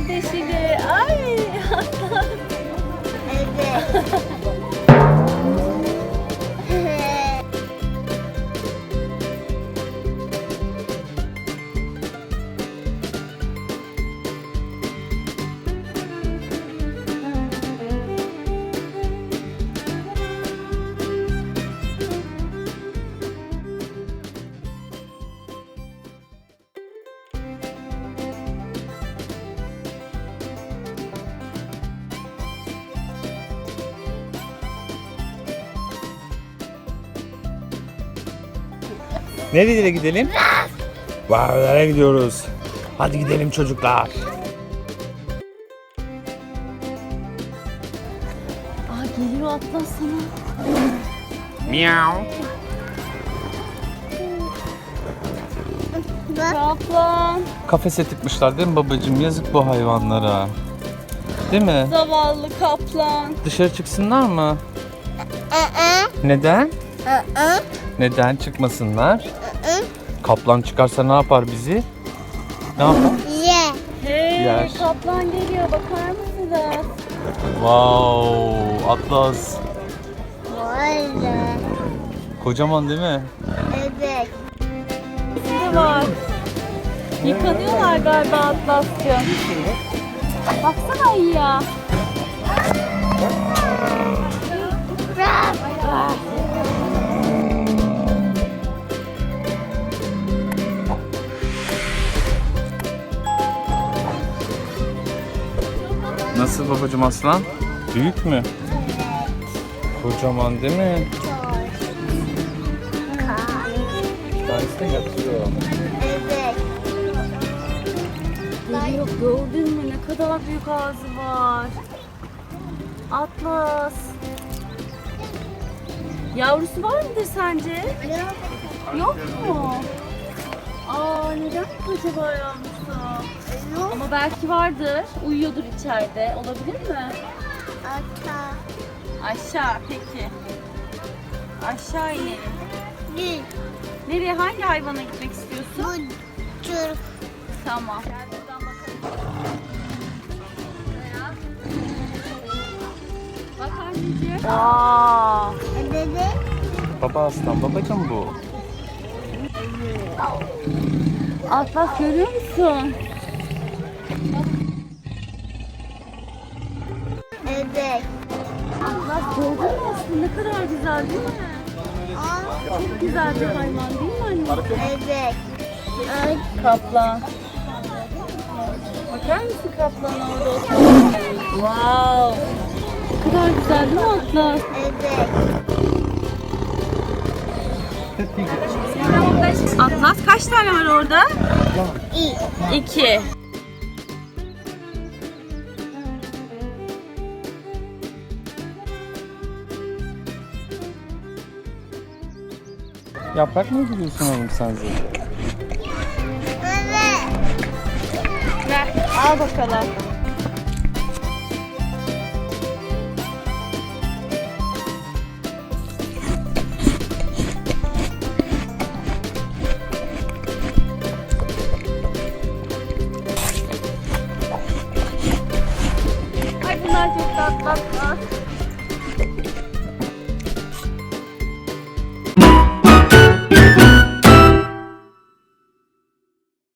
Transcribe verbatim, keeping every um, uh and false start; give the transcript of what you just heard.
kardeşini. Ay. Evet. Nereye gidelim? Nereye gidiyoruz? Hadi gidelim çocuklar. Aa, geliyor Atlas sana. Miau. Kaplan. Kafese tıkmışlar değil mi babacığım? Yazık bu hayvanlara. Değil mi? Zavallı kaplan. Dışarı çıksınlar mı? Neden? Neden çıkmasınlar? Kaplan çıkarsa ne yapar bizi? Ne yapar? Ye. Hey, Yer. kaplan geliyor, bakar mısınız? Wow, Atlas. Vay be. Kocaman değil mi? Evet. Ne var? Yıkanıyorlar galiba Atlas'cığım. Baksana iyi ya. Ah. Nasıl babacığım aslan? Büyük mü? Kocaman değil mi? Bir tanesi de yatıyor. Evet. Geliyor, gördün mü? Ne kadar büyük ağzı var. Atlas. Yavrusu var mıdır sence? Yok mu? Aa, neden acaba yavrusu? Ama belki vardır. Uyuyordur içeride. Olabilir mi? Ata. Aşağı peki. Aşağı inelim. Gül. Nereye? Hangi hayvana gitmek istiyorsun? Bu çocuk. Tamam. Gel buradan bakalım. Buraya. Bak anneciğim. Aa. Dede. Baba aslan babacığım bu. Atlas görüyor musun? Evet. Atlas gördün mü aslında? Ne kadar güzel değil mi? Aa. Çok güzel bir hayvan değil mi anne? Evet. Ay. Kaplan. Bakar mısın kaplanın orada oturuyor? Wow. Ne kadar güzel değil mi Atlas? Evet. Atlas kaç tane var orada? İyi. İki. Yaprak mı gidiyorsun oğlum sen zaten? Evet. Ver, al bakalım. Ay bunlar çok tatlı.